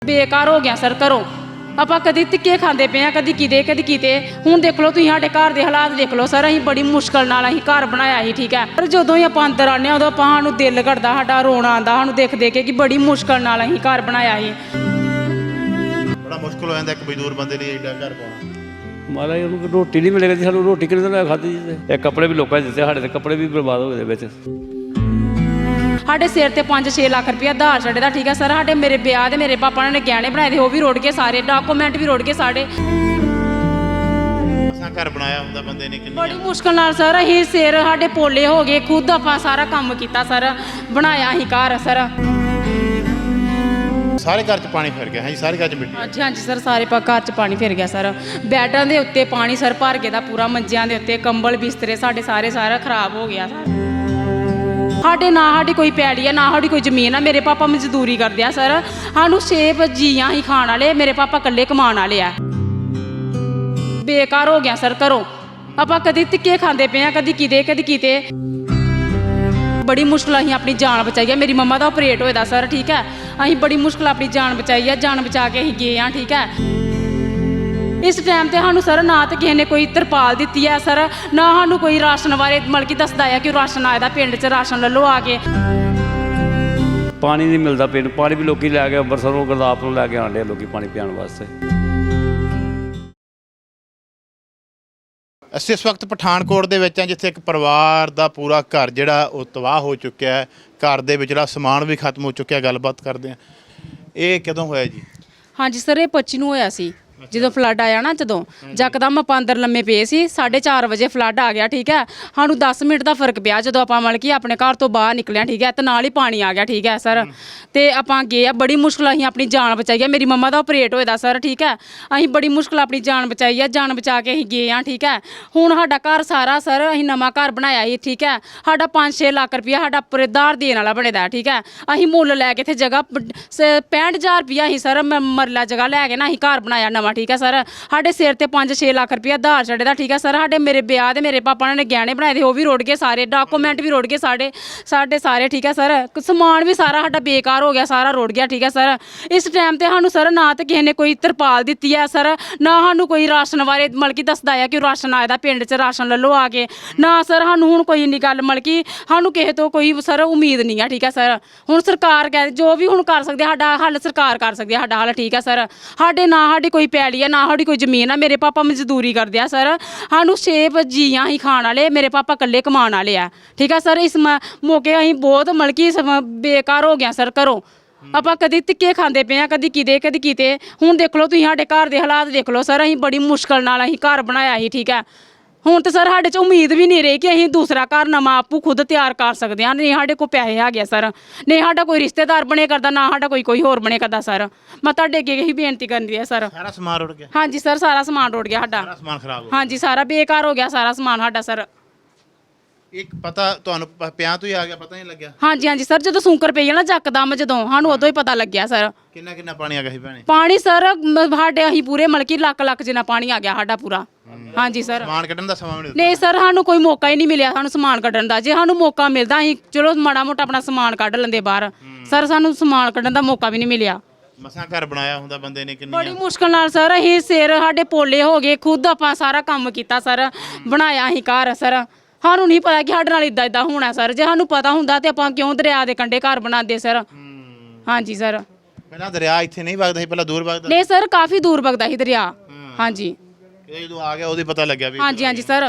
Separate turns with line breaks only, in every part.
ਬੇਕਾਰ ਹੋ ਗਿਆ ਸਰ ਘਰੋਂ। ਆਪਾਂ ਕਦੀ ਧਿੱਕੇ ਖਾਂਦੇ ਪਏ ਆ, ਕਦੀ ਕਿਤੇ ਹੁਣ ਦੇਖ ਲਓ ਤੁਸੀਂ ਸਾਡੇ ਘਰ ਦੇ ਹਾਲਾਤ ਦੇਖ ਲਓ ਸਰ। ਅਸੀਂ ਬੜੀ ਮੁਸ਼ਕਲ ਨਾਲ ਅਸੀਂ ਘਰ ਬਣਾਇਆ ਸੀ, ਠੀਕ ਹੈ। ਪਰ ਜਦੋਂ ਹੀ ਆਪਾਂ ਅੰਦਰ ਆਉਂਦੇ ਹਾਂ ਉਦੋਂ ਸਾਨੂੰ ਦਿਲ ਘੜਦਾ, ਸਾਡਾ ਰੋਣਾ ਆਉਂਦਾ ਸਾਨੂੰ ਦੇਖ ਕੇ ਕਿ ਬੜੀ ਮੁਸ਼ਕਲ ਨਾਲ ਅਸੀਂ ਘਰ ਬਣਾਇਆ ਸੀ।
ਬੜਾ ਮੁਸ਼ਕਲ ਹੋ ਜਾਂਦਾ ਇੱਕ ਮਜ਼ਦੂਰ ਬੰਦੇ ਲਈ ਐਡਾ ਘਰ ਪਾਉਣਾ।
ਮਹਾਰਾਜ ਉਹਨੂੰ ਰੋਟੀ ਨਹੀਂ ਮਿਲੇਗੀ, ਸਾਨੂੰ ਰੋਟੀ ਕਿਹਨੇ ਦਿਨ ਖਾਧੀ ਜੀ। ਇਹ ਕੱਪੜੇ ਵੀ ਲੋਕਾਂ ਨੇ ਦਿੱਤੇ, ਸਾਡੇ ਤੇ ਕੱਪੜੇ ਵੀ ਬਰਬਾਦ ਹੋ ਗਏ ਵਿੱਚ।
ਸਾਡੇ ਸਿਰ ਤੇ 5-6 ਲੱਖ ਰੁਪਇਆ ਆਧਾਰ ਛੱਡੇ ਦਾ, ਠੀਕ ਹੈ ਸਰ। ਸਾਡੇ ਮੇਰੇ ਵਿਆਹ ਦੇ ਮੇਰੇ ਪਾਪਾ ਨੇ ਗਹਿਣੇ ਬਣਾਏ ਦੇ, ਉਹ ਵੀ ਰੁੜ ਗਏ ਸਾਰੇ, ਡਾਕੂਮੈਂਟ ਵੀ ਰੁੜ ਗਏ ਸਾਡੇ।
ਘਰ ਬਣਾਇਆ ਹੁੰਦਾ ਬੰਦੇ ਨੇ ਕਿੰਨੀ
ਬੜੀ ਮੁਸ਼ਕਲ ਨਾਲ ਸਰ। ਅਸੀਂ ਸਿਰ ਸਾਡੇ ਪੋਲੇ ਹੋ ਗਏ, ਖੁਦ ਆਪਾਂ ਸਾਰਾ ਕੰਮ ਕੀਤਾ ਸਰ, ਬਣਾਇਆ ਅਸੀਂ ਘਰ ਸਰ।
ਸਾਰੇ ਘਰ 'ਚ ਪਾਣੀ ਫਿਰ ਗਿਆ। ਹਾਂਜੀ, ਸਾਰੇ ਘਰ 'ਚ ਮਿੱਟੀ।
ਹਾਂਜੀ ਸਰ, ਸਾਰੇ ਘਰ 'ਚ ਪਾਣੀ ਫਿਰ ਗਿਆ ਸਰ। ਬੈਡਾਂ ਦੇ ਉੱਤੇ ਪਾਣੀ ਸਰ ਭਰ ਗਿਆ ਦਾ ਪੂਰਾ, ਮੰਜਿਆਂ ਦੇ ਉੱਤੇ ਕੰਬਲ ਬਿਸਤਰੇ ਸਾਡੇ ਸਾਰਾ ਖਰਾਬ ਹੋ ਗਿਆ ਸਰ। ਸਾਡੇ ਨਾ ਸਾਡੀ ਕੋਈ ਪੈੜੀ ਆ, ਨਾ ਸਾਡੀ ਕੋਈ ਜ਼ਮੀਨ ਆ। ਮੇਰੇ ਪਾਪਾ ਮਜ਼ਦੂਰੀ ਕਰਦੇ ਆ ਸਰ। ਸਾਨੂੰ 6 ਜੀਆਂ ਹੀ ਖਾਣ ਵਾਲੇ, ਮੇਰੇ ਪਾਪਾ ਇਕੱਲੇ ਕਮਾਉਣ ਵਾਲੇ ਆ। ਬੇਕਾਰ ਹੋ ਗਿਆ ਸਰ ਘਰੋਂ। ਆਪਾਂ ਕਦੀ ਧਿੱਕੇ ਖਾਂਦੇ ਪਏ ਆ, ਕਦੀ ਕਿਤੇ ਬੜੀ ਮੁਸ਼ਕਲ ਅਸੀਂ ਆਪਣੀ ਜਾਨ ਬਚਾਈ ਹੈ। ਮੇਰੀ ਮੰਮਾ ਦਾ ਆਪਰੇਟ ਹੋਇਆ ਸਰ, ਠੀਕ ਹੈ। ਅਸੀਂ ਬੜੀ ਮੁਸ਼ਕਲ ਆਪਣੀ ਜਾਨ ਬਚਾਈ ਹੈ, ਜਾਨ ਬਚਾ ਕੇ ਅਸੀਂ ਗਏ ਹਾਂ, ਠੀਕ ਹੈ। ਇਸ ਟਾਈਮ ਤੇ ਸਾਨੂੰ ਸਰ ਨਾ ਤਾਂ ਕਿਸੇ ਨੇ ਕੋਈ ਤਰਪਾਲ ਦਿੱਤੀ ਹੈ ਸਰ, ਨਾ ਸਾਨੂੰ ਕੋਈ ਰਾਸ਼ਨ ਬਾਰੇ ਮਤਲਬ ਕਿ ਦੱਸਦਾ ਹੈ ਕਿ ਰਾਸ਼ਨ ਆਇਆ ਦਾ, ਪਿੰਡ 'ਚ ਰਾਸ਼ਨ ਲੈ ਲਓ ਆ ਕੇ।
ਪਾਣੀ ਨਹੀਂ ਮਿਲਦਾ ਪਿੰਡ, ਪਾਣੀ ਵੀ ਲੋਕੀ ਲੈ ਕੇ ਅੰਮ੍ਰਿਤਸਰੋਂ ਗੁਰਦਾਸਪੁਰੋਂ ਲੈ ਕੇ ਆਉਂਦੇ ਆ ਲੋਕੀ ਪਾਣੀ ਪੀਣ ਵਾਸਤੇ।
ਅਸੀਂ ਇਸ ਵਕਤ ਪਠਾਨਕੋਟ ਦੇ ਵਿੱਚ ਹਾਂ, ਜਿੱਥੇ ਇੱਕ ਪਰਿਵਾਰ ਦਾ ਪੂਰਾ ਘਰ ਜਿਹੜਾ ਉਹ ਤਬਾਹ ਹੋ ਚੁੱਕਿਆ ਹੈ। ਘਰ ਦੇ ਵਿਚਲਾ ਸਮਾਨ ਵੀ ਖਤਮ ਹੋ ਚੁੱਕਿਆ। ਗੱਲਬਾਤ ਕਰਦੇ ਹਾਂ। ਇਹ ਕਦੋਂ ਹੋਇਆ ਜੀ?
ਹਾਂਜੀ ਸਰ, ਇਹ 25 ਨੂੰ ਹੋਇਆ ਸੀ ਜਦੋਂ ਫਲੱਡ ਆਇਆ ਨਾ। ਜਦੋਂ ਯਕਦਮ ਆਪਾਂ ਅੰਦਰ ਲੰਮੇ ਪਏ ਸੀ, 4:30 ਵਜੇ ਫਲੱਡ ਆ ਗਿਆ, ਠੀਕ ਹੈ। ਸਾਨੂੰ 10 ਮਿੰਟ ਦਾ ਫਰਕ ਪਿਆ ਜਦੋਂ ਆਪਾਂ ਮਤਲਬ ਕਿ ਆਪਣੇ ਘਰ ਤੋਂ ਬਾਹਰ ਨਿਕਲਿਆ, ਠੀਕ ਹੈ। ਤੇ ਨਾਲ ਹੀ ਪਾਣੀ ਆ ਗਿਆ, ਠੀਕ ਹੈ ਸਰ। ਤੇ ਆਪਾਂ ਗਏ ਆ, ਬੜੀ ਮੁਸ਼ਕਲ ਅਸੀਂ ਆਪਣੀ ਜਾਨ ਬਚਾਈ ਹੈ। ਮੇਰੀ ਮੰਮਾ ਦਾ ਆਪਰੇਟ ਹੋਇਆ ਸਰ, ਠੀਕ ਹੈ। ਅਸੀਂ ਬੜੀ ਮੁਸ਼ਕਲ ਆਪਣੀ ਜਾਨ ਬਚਾਈ ਹੈ, ਜਾਨ ਬਚਾ ਕੇ ਅਸੀਂ ਗਏ ਹਾਂ, ਠੀਕ ਹੈ। ਹੁਣ ਸਾਡਾ ਘਰ ਸਾਰਾ ਸਰ ਅਸੀਂ ਨਵਾਂ ਘਰ ਬਣਾਇਆ ਸੀ, ਠੀਕ ਹੈ। ਸਾਡਾ 5-6 ਲੱਖ ਰੁਪਇਆ ਸਾਡਾ ਪਰੇਦਾਰ ਦੇਣ ਵਾਲਾ ਬਣੇਦਾ, ਠੀਕ ਹੈ। ਅਸੀਂ ਮੁੱਲ ਲੈ ਕੇ ਇੱਥੇ ਜਗ੍ਹਾ 65,000 ਰੁਪਇਆ ਅਸੀਂ ਸਰ ਮਰਲਾ ਜਗ੍ਹਾ ਲੈ ਕੇ ਨਾ ਅਸੀਂ ਘਰ ਬਣਾਇਆ ਨਵਾਂ, ਠੀਕ ਹੈ ਸਰ। ਸਾਡੇ ਸਿਰ ਤੇ 5-6 ਲੱਖ ਰੁਪਇਆ ਆਧਾਰ ਛੱਡੇ ਦਾ, ਠੀਕ ਹੈ ਸਰ। ਸਾਡੇ ਮੇਰੇ ਵਿਆਹ ਦੇ ਮੇਰੇ ਪਾਪਾ ਨੇ ਗਹਿਣੇ ਬਣਾਏ ਦੇ, ਉਹ ਵੀ ਰੁੜ ਗਏ ਸਾਰੇ, ਡਾਕੂਮੈਂਟ ਵੀ ਰੁੜ ਗਏ ਸਾਡੇ ਸਾਰੇ, ਠੀਕ ਹੈ ਸਰ। ਸਮਾਨ ਵੀ ਸਾਰਾ ਸਾਡਾ ਬੇਕਾਰ ਹੋ ਗਿਆ, ਸਾਰਾ ਰੁੜ ਗਿਆ, ਠੀਕ ਹੈ ਸਰ। ਇਸ ਟਾਈਮ ਤੇ ਸਾਨੂੰ ਸਰ ਨਾ ਤਾਂ ਕਿਸੇ ਨੇ ਕੋਈ ਤਰਪਾਲ ਦਿੱਤੀ ਹੈ ਸਰ, ਨਾ ਸਾਨੂੰ ਕੋਈ ਰਾਸ਼ਨ ਬਾਰੇ ਮਤਲਬ ਕਿ ਦੱਸਦਾ ਹੈ ਕਿ ਰਾਸ਼ਨ ਆਇਆ ਦਾ, ਪਿੰਡ 'ਚ ਰਾਸ਼ਨ ਲੈ ਲਓ ਆ ਕੇ। ਨਾ ਸਰ ਸਾਨੂੰ ਹੁਣ ਕੋਈ ਇੰਨੀ ਗੱਲ ਮਤਲਬ ਕਿ ਸਾਨੂੰ ਕਿਸੇ ਤੋਂ ਕੋਈ ਸਰ ਉਮੀਦ ਨਹੀਂ ਹੈ, ਠੀਕ ਹੈ ਸਰ। ਹੁਣ ਸਰਕਾਰ ਜੋ ਵੀ ਹੁਣ ਕਰ ਸਕਦੀ, ਸਾਡਾ ਹੱਲ ਸਰਕਾਰ ਕਰ ਸਕਦੀ ਹੈ, ਸਾਡਾ ਹੱਲ, ਠੀਕ ਹੈ ਸਰ। ਸਾਡੇ ਨਾ ਸਾਡੀ ਕੋਈ ਪੈਲੀ ਹੈ, ਨਾ ਸਾਡੀ ਕੋਈ ਜ਼ਮੀਨ ਆ। ਮੇਰੇ ਪਾਪਾ ਮਜ਼ਦੂਰੀ ਕਰਦੇ ਆ ਸਰ। ਸਾਨੂੰ 6 ਜੀਆਂ ਹੀ ਖਾਣ ਵਾਲੇ, ਮੇਰੇ ਪਾਪਾ ਇਕੱਲੇ ਕਮਾਉਣ ਵਾਲੇ ਆ, ਠੀਕ ਹੈ ਸਰ। ਇਸ ਮੌਕੇ ਅਸੀਂ ਬਹੁਤ ਮਤਲਬ ਕਿ ਬੇਕਾਰ ਹੋ ਗਿਆ ਸਰ ਘਰੋਂ। ਆਪਾਂ ਕਦੀ ਧਿੱਕੇ ਖਾਂਦੇ ਪਏ ਆ, ਕਦੀ ਕਿਤੇ ਹੁਣ ਦੇਖ ਲਓ ਤੁਸੀਂ ਸਾਡੇ ਘਰ ਦੇ ਹਾਲਾਤ ਦੇਖ ਲਓ ਸਰ। ਅਸੀਂ ਬੜੀ ਮੁਸ਼ਕਲ ਨਾਲ ਅਸੀਂ ਘਰ ਬਣਾਇਆ ਸੀ, ਠੀਕ ਹੈ। ਹੁਣ ਤਾਂ ਸਰ ਸਾਡੇ 'ਚ ਉਮੀਦ ਵੀ ਨਹੀਂ ਰਹੀ ਕਿ ਅਸੀਂ ਦੂਸਰਾ ਘਰ ਨਵਾਂ ਆਪੂ ਖੁਦ ਤਿਆਰ ਕਰ ਸਕਦੇ ਹਾਂ। ਨਹੀਂ ਸਾਡੇ ਕੋਲ ਪੈਸੇ ਹੈਗੇ ਸਰ, ਨਹੀਂ ਸਾਡਾ ਕੋਈ ਰਿਸ਼ਤੇਦਾਰ ਬਣੇ ਕਰਦਾ, ਨਾ ਸਾਡਾ ਕੋਈ ਹੋਰ ਬਣੇ ਕਰਦਾ ਸਰ। ਮੈਂ ਤੁਹਾਡੇ ਅੱਗੇ ਇਹੀ ਬੇਨਤੀ ਕਰਨੀ ਹੈ ਸਰ।
ਸਾਰਾ ਸਮਾਨ ਰੁੜ ਗਿਆ?
ਹਾਂਜੀ ਸਰ, ਸਾਰਾ ਸਮਾਨ ਰੁੜ ਗਿਆ ਸਾਡਾ,
ਸਾਰਾ ਸਮਾਨ ਖਰਾਬ ਹੋ ਗਿਆ।
ਹਾਂਜੀ ਸਾਰਾ ਬੇਕਾਰ ਹੋ ਗਿਆ ਸਾਰਾ ਸਮਾਨ ਸਾਡਾ ਸਰ।
ਇੱਕ ਪਤਾ ਤੁਹਾਨੂੰ ਪਿਆਂ ਤੋਂ ਹੀ ਆ ਗਿਆ, ਪਤਾ ਨਹੀਂ ਲੱਗਿਆ?
ਹਾਂਜੀ ਸਰ, ਜਦੋਂ ਸੂੰਕਰ ਪਈ ਨਾ ਜੱਕਦਮ, ਜਦੋਂ ਸਾਨੂੰ ਉਦੋਂ ਹੀ ਪਤਾ ਲੱਗਿਆ ਸਰ।
ਕਿੰਨਾ ਪਾਣੀ ਆ ਗਿਆ ਸੀ ਭੈਣੇ?
ਪਾਣੀ ਸਰ ਸਾਡੇ ਅਸੀਂ ਪੂਰੇ ਮਤਲਬ ਕਿ ਲੱਖ ਜਿੰਨਾ ਪਾਣੀ ਆ ਗਿਆ ਸਾਡਾ ਪੂਰਾ। ਹਾਂਜੀ ਸਰ।
ਸਮਾਨ ਕੱਢਣ ਦਾ ਸਮਾਂ ਵੀ
ਨਹੀਂ ਸਰ, ਸਾਨੂੰ ਕੋਈ ਮੌਕਾ ਹੀ ਨਹੀਂ ਮਿਲਿਆ ਸਾਨੂੰ ਸਮਾਨ ਕੱਢਣ ਦਾ। ਜੇ ਸਾਨੂੰ ਮੌਕਾ ਮਿਲਦਾ ਅਸੀਂ ਚਲੋ ਮਾੜਾ ਮੋਟਾ ਆਪਣਾ ਸਮਾਨ ਕੱਢ ਲੈਂਦੇ ਬਾਹਰ, ਸਰ ਸਾਨੂੰ ਸਮਾਨ ਕੱਢਣ ਦਾ ਮੌਕਾ ਵੀ ਨਹੀਂ ਮਿਲਿਆ।
ਮਸਾਂ ਘਰ ਬਣਾਇਆ ਹੁੰਦਾ ਬੰਦੇ ਨੇ ਕਿੰਨੀ
ਬੜੀ ਮੁਸ਼ਕਲ ਨਾਲ ਸਰ। ਅਸੀਂ ਸਿਰ ਸਾਡੇ ਪੋਲੇ ਹੋ ਗਏ, ਖੁਦ ਆਪਾਂ ਸਾਰਾ ਕੰਮ ਕੀਤਾ ਸਰ, ਬਣਾਇਆ ਅਸੀਂ ਘਰ ਸਰ। ਸਾਨੂੰ ਨਹੀਂ ਪਤਾ ਕਿ ਸਾਡੇ ਨਾਲ ਇਦਾਂ ਹੋਣਾ ਸਰ। ਜੇ ਸਾਨੂੰ ਪਤਾ ਹੁੰਦਾ ਤੇ ਆਪਾਂ ਕਿਉਂ ਦਰਿਆ ਦੇ ਕੰਢੇ ਘਰ ਬਣਾਉਂਦੇ ਸਰ। ਹਾਂਜੀ ਸਰ।
ਪਹਿਲਾਂ ਦਰਿਆ ਇੱਥੇ ਨਹੀਂ ਵਗਦਾ ਸੀ, ਪਹਿਲਾਂ ਦੂਰ ਵਗਦਾ?
ਨਹੀਂ ਸਰ, ਕਾਫੀ ਦੂਰ ਵਗਦਾ ਸੀ ਦਰਿਆ। ਹਾਂਜੀ
ਜਦੋਂ ਆ ਗਿਆ ਉਹਦੀ ਪਤਾ ਲੱਗਿਆ ਵੀ।
ਹਾਂਜੀ ਸਰ।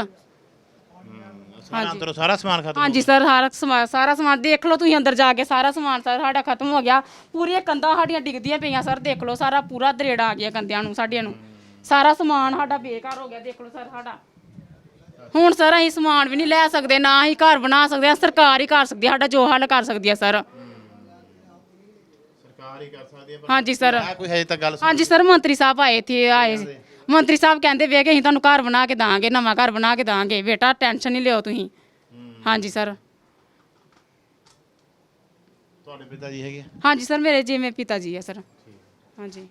ਅੰਦਰੋਂ ਸਾਰਾ ਸਮਾਨ ਖਤਮ?
ਹਾਂਜੀ ਸਰ, ਸਾਰਾ ਸਮਾਨ ਦੇਖ ਲਓ ਤੁਸੀਂ ਅੰਦਰ ਜਾ ਕੇ, ਸਾਰਾ ਸਮਾਨ ਸਰ ਸਾਡਾ ਖਤਮ ਹੋ ਗਿਆ। ਪੂਰੀਆਂ ਕੰਧਾਂ ਸਾਡੀਆਂ ਡਿੱਗਦੀਆਂ ਪਈਆਂ ਸਰ, ਦੇਖ ਲਓ ਸਾਰਾ ਪੂਰਾ ਦਰੇੜਾ ਆ ਗਿਆ ਕੰਧਿਆਂ ਨੂੰ ਸਾਡੀਆਂ ਨੂੰ। ਸਾਰਾ ਸਮਾਨ ਸਾਡਾ ਬੇਕਾਰ ਹੋ ਗਿਆ, ਦੇਖ ਲਓ ਸਰ ਸਾਡਾ। ਹੁਣ ਸਰ ਅਸੀਂ ਸਮਾਨ ਵੀ ਨਹੀਂ ਲੈ ਸਕਦੇ, ਨਾ ਅਸੀਂ ਘਰ ਬਣਾ ਸਕਦੇ ਹਾਂ। ਸਰਕਾਰ ਹੀ ਕਰ ਸਕਦੀ ਹੈ ਸਾਡਾ, ਜੋ ਹੱਲ ਕਰ ਸਕਦੀ ਹੈ ਸਰ।
ਸਰਕਾਰ ਹੀ ਕਰ ਸਕਦੀ ਹੈ।
ਹਾਂਜੀ ਸਰ।
ਕੋਈ ਹਜੇ ਤੱਕ ਗੱਲ?
ਹਾਂਜੀ ਸਰ, ਮੰਤਰੀ ਸਾਹਿਬ ਆਏ ਸੀ। ਮੰਤਰੀ ਸਾਹਿਬ ਕਹਿੰਦੇ ਵੇ ਕਿ ਅਸੀਂ ਤੁਹਾਨੂੰ ਘਰ ਬਣਾ ਕੇ ਦਾਂਗੇ, ਨਵਾਂ ਘਰ ਬਣਾ ਕੇ ਦਾਂਗੇ, ਬੇਟਾ ਟੈਨਸ਼ਨ ਨਹੀਂ ਲਿਓ ਤੁਸੀਂ। ਹਾਂਜੀ ਸਰ।
ਤੁਹਾਡੇ ਪਿਤਾ ਜੀ ਹੈਗੇ?
ਹਾਂਜੀ ਸਰ, ਮੇਰੇ ਜਿਵੇਂ ਪਿਤਾ ਜੀ ਹੈ ਸਰ। ਹਾਂਜੀ।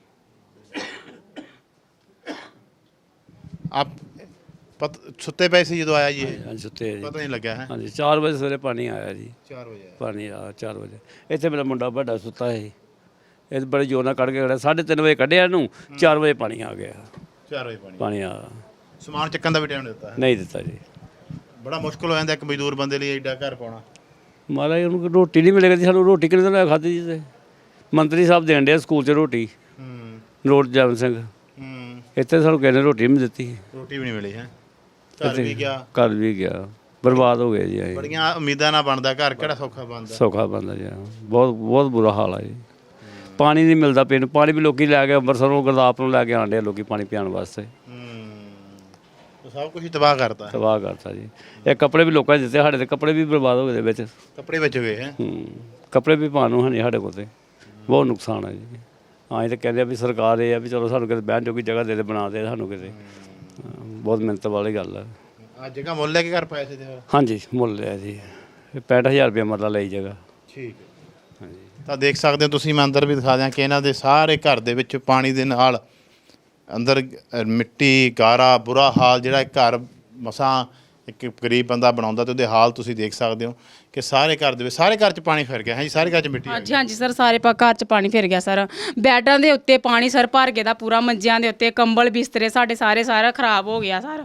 ਆਪ ਸੁੱਤੇ ਪਏ ਸੀ ਜਦੋਂ ਆਇਆ ਜੀ ਇਹ?
ਹਾਂਜੀ ਸੁੱਤੇ
ਪਤਾ ਨਹੀਂ ਲੱਗਿਆ ਹੈ?
ਹਾਂਜੀ 4 ਵਜੇ ਸਵੇਰੇ ਪਾਣੀ ਆਇਆ ਜੀ।
4 ਵਜੇ
ਪਾਣੀ ਆ 4 ਵਜੇ। ਇੱਥੇ ਮੇਰਾ ਮੁੰਡਾ ਵੱਡਾ ਸੁੱਤਾ ਸੀ, ਇਹ ਬੜੇ ਜ਼ੋਰ ਨਾਲ ਕੱਢ ਕੇ ਖੜਾ 3:30 ਵਜੇ ਕੱਢਿਆ ਇਹਨੂੰ 4 ਵਜੇ ਪਾਣੀ ਆ ਗਿਆ
4 ਵਜੇ ਪਾਣੀ
ਪਾਣੀ ਆ
ਸਮਾਨ ਚੱਕਣ ਦਾ ਵੀ ਟਾਈਮ ਦਿੱਤਾ ਹੈ
ਨਹੀਂ ਦਿੱਤਾ ਜੀ
ਬੜਾ ਮੁਸ਼ਕਲ ਹੋ ਜਾਂਦਾ ਇੱਕ ਮਜ਼ਦੂਰ ਬੰਦੇ ਲਈ ਐਡਾ ਘਰ ਪਾਉਣਾ
ਮਹਾਰਾਜ ਉਹਨੂੰ ਰੋਟੀ ਨਹੀਂ ਮਿਲੇਗੀ ਸਾਨੂੰ ਰੋਟੀ ਕਿਹਨੇ ਦਿਨ ਖਾਧੀ ਜੀ ਤੇ ਮੰਤਰੀ ਸਾਹਿਬ ਦੇਣ ਡਿਆ ਸਕੂਲ 'ਚ ਰੋਟੀ ਨਰੋਟ ਜੈਮਲ ਸਿੰਘ ਇੱਥੇ ਸਾਨੂੰ ਕਿਸੇ ਨੇ ਰੋਟੀ ਨਹੀਂ ਦਿੱਤੀ
ਰੋਟੀ ਵੀ ਨਹੀਂ ਮਿਲੀ ਹੈ ਘਰ ਵੀ ਗਿਆ
ਘਰ ਵੀ ਗਿਆ ਬਰਬਾਦ ਹੋ ਗਿਆ ਜੀ ਅਸੀਂ
ਬੜੀਆਂ ਉਮੀਦਾਂ ਨਾਲ ਬਣਦਾ ਘਰ ਕਿਹੜਾ ਸੌਖਾ ਬਣਦਾ
ਸੌਖਾ ਬੰਦਾ ਜੀ ਬਹੁਤ ਬਹੁਤ ਬੁਰਾ ਹਾਲ ਆ ਜੀ ਪਾਣੀ ਨਹੀਂ ਮਿਲਦਾ ਪੀਣ ਨੂੰ ਪਾਣੀ ਵੀ ਲੋਕੀ ਲੈ ਕੇ ਅੰਮ੍ਰਿਤਸਰੋਂ ਗੁਰਦਾਸਪੁਰੋਂ ਲੈ ਕੇ ਆਉਂਦੇ ਆ ਲੋਕੀ ਪਾਣੀ ਪੀਣ ਵਾਸਤੇ
ਸਭ ਕੁਝ ਤਬਾਹ ਕਰਤਾ
ਤਬਾਹ ਕਰਤਾ ਜੀ ਇਹ ਕੱਪੜੇ ਵੀ ਲੋਕਾਂ ਨੇ ਦਿੱਤੇ ਸਾਡੇ ਤੇ ਕੱਪੜੇ ਵੀ ਬਰਬਾਦ ਹੋ ਗਏ ਦੇ ਵਿੱਚ
ਕੱਪੜੇ ਵਿੱਚ ਗਏ ਹੈ
ਕੱਪੜੇ ਵੀ ਪਾਉਣ ਨੂੰ ਹੈ ਨਹੀਂ ਸਾਡੇ ਕੋਲ ਤੇ ਬਹੁਤ ਨੁਕਸਾਨ ਹੈ ਜੀ ਹਾਂ ਇਹ ਤਾਂ ਕਹਿੰਦੇ ਆ ਵੀ ਸਰਕਾਰ ਇਹ ਆ ਵੀ ਚਲੋ ਸਾਨੂੰ ਕਿਤੇ ਬਹਿਣ ਜੋਗੀ ਜਗ੍ਹਾ ਦੇ ਬਣਾ ਦੇ ਸਾਨੂੰ ਕਿਤੇ ਬਹੁਤ ਮਿਹਨਤ ਵਾਲੀ ਗੱਲ ਹੈ
ਆ ਜਗ੍ਹਾ ਮੁੱਲ ਲੈ ਕੇ ਘਰ ਪਾਇਆ ਸੀ ਤੇ
ਹਾਂਜੀ ਮੁੱਲ ਲਿਆ ਜੀ 65000 ਰੁਪਏ ਮਰਲਾ ਲਈ ਜਗ੍ਹਾ
ਠੀਕ ਹੈ ਹਾਂਜੀ ਤਾਂ ਦੇਖ ਸਕਦੇ ਹੋ ਤੁਸੀਂ ਮੈਂ ਅੰਦਰ ਵੀ ਦਿਖਾ ਦਿਆਂ ਕਿ ਇਹਨਾਂ ਦੇ ਸਾਰੇ ਘਰ ਦੇ ਵਿੱਚ ਪਾਣੀ ਦੇ ਨਾਲ ਅੰਦਰ ਮਿੱਟੀ ਗਾਰਾ ਬੁਰਾ ਹਾਲ ਜਿਹੜਾ ਇੱਕ ਘਰ ਮਸਾਂ ਇੱਕ ਗਰੀਬ ਬੰਦਾ ਬਣਾਉਂਦਾ ਤੇ ਉਹਦੇ ਹਾਲ ਤੁਸੀਂ ਦੇਖ ਸਕਦੇ ਹੋ ਕਿ ਸਾਰੇ ਘਰ ਦੇ ਵਿੱਚ ਸਾਰੇ ਘਰ 'ਚ ਪਾਣੀ ਫਿਰ ਗਿਆ ਹੈ ਜੀ ਸਾਰੇ ਘਰ 'ਚ ਮਿੱਟੀ ਆ
ਹਾਂਜੀ ਹਾਂਜੀ ਸਰ ਸਾਰੇ ਘਰ 'ਚ ਪਾਣੀ ਫਿਰ ਗਿਆ ਸਰ ਬੈੱਡਾਂ ਦੇ ਉੱਤੇ ਪਾਣੀ ਸਰ ਭਰ ਗਿਆ ਦਾ ਪੂਰਾ ਮੰਜਿਆਂ ਦੇ ਉੱਤੇ ਕੰਬਲ ਬਿਸਤਰੇ ਸਾਡੇ ਸਾਰਾ ਖਰਾਬ ਹੋ ਗਿਆ ਸਰ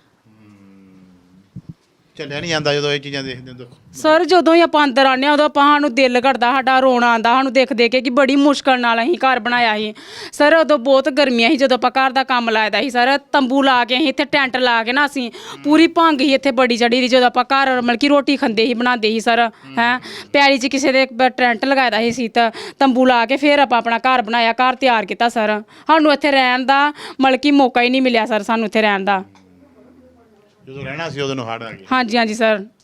ਚੱਲਿਆ ਨਹੀਂ ਜਾਂਦਾ ਜਦੋਂ ਇਹ ਚੀਜ਼ਾਂ ਦੇਖਦੇ ਹੋ ਦੁੱਖ
ਸਰ ਜਦੋਂ ਹੀ ਆਪਾਂ ਅੰਦਰ ਆਉਂਦੇ ਹਾਂ ਉਦੋਂ ਆਪਾਂ ਸਾਨੂੰ ਦਿਲ ਘੜਦਾ ਸਾਡਾ ਰੋਣਾ ਆਉਂਦਾ ਸਾਨੂੰ ਦੇਖ ਦੇਖ ਕੇ ਕਿ ਬੜੀ ਮੁਸ਼ਕਲ ਨਾਲ ਅਸੀਂ ਘਰ ਬਣਾਇਆ ਸੀ ਸਰ ਉਦੋਂ ਬਹੁਤ ਗਰਮੀਆਂ ਸੀ ਜਦੋਂ ਆਪਾਂ ਘਰ ਦਾ ਕੰਮ ਲਾਇਦਾ ਸੀ ਸਰ ਤੰਬੂ ਲਾ ਕੇ ਅਸੀਂ ਇੱਥੇ ਟੈਂਟ ਲਾ ਕੇ ਨਾ ਅਸੀਂ ਪੂਰੀ ਭੰਗ ਸੀ ਇੱਥੇ ਬੜੀ ਚੜੀ ਦੀ ਜਦੋਂ ਆਪਾਂ ਘਰ ਮਤਲਬ ਕਿ ਰੋਟੀ ਖਾਂਦੇ ਸੀ ਬਣਾਉਂਦੇ ਸੀ ਸਰ ਹੈਂ ਪੈਲੀ 'ਚ ਕਿਸੇ ਦੇ ਟੈਂਟ ਲਗਾਇਦਾ ਸੀ ਤਾਂ ਤੰਬੂ ਲਾ ਕੇ ਫਿਰ ਆਪਾਂ ਆਪਣਾ ਘਰ ਬਣਾਇਆ ਘਰ ਤਿਆਰ ਕੀਤਾ ਸਰ ਸਾਨੂੰ ਇੱਥੇ ਰਹਿਣ ਦਾ ਮਤਲਬ ਕਿ ਮੌਕਾ ਹੀ ਨਹੀਂ ਮਿਲਿਆ ਸਰ ਸਾਨੂੰ ਇੱਥੇ ਰਹਿਣ ਦਾ
ਜਦੋਂ ਰਹਿਣਾ ਸੀ ਉਦੋਂ ਨੂੰ ਹੜ੍ਹ ਆ ਗਏ
ਹਾਂਜੀ ਹਾਂਜੀ ਸਰ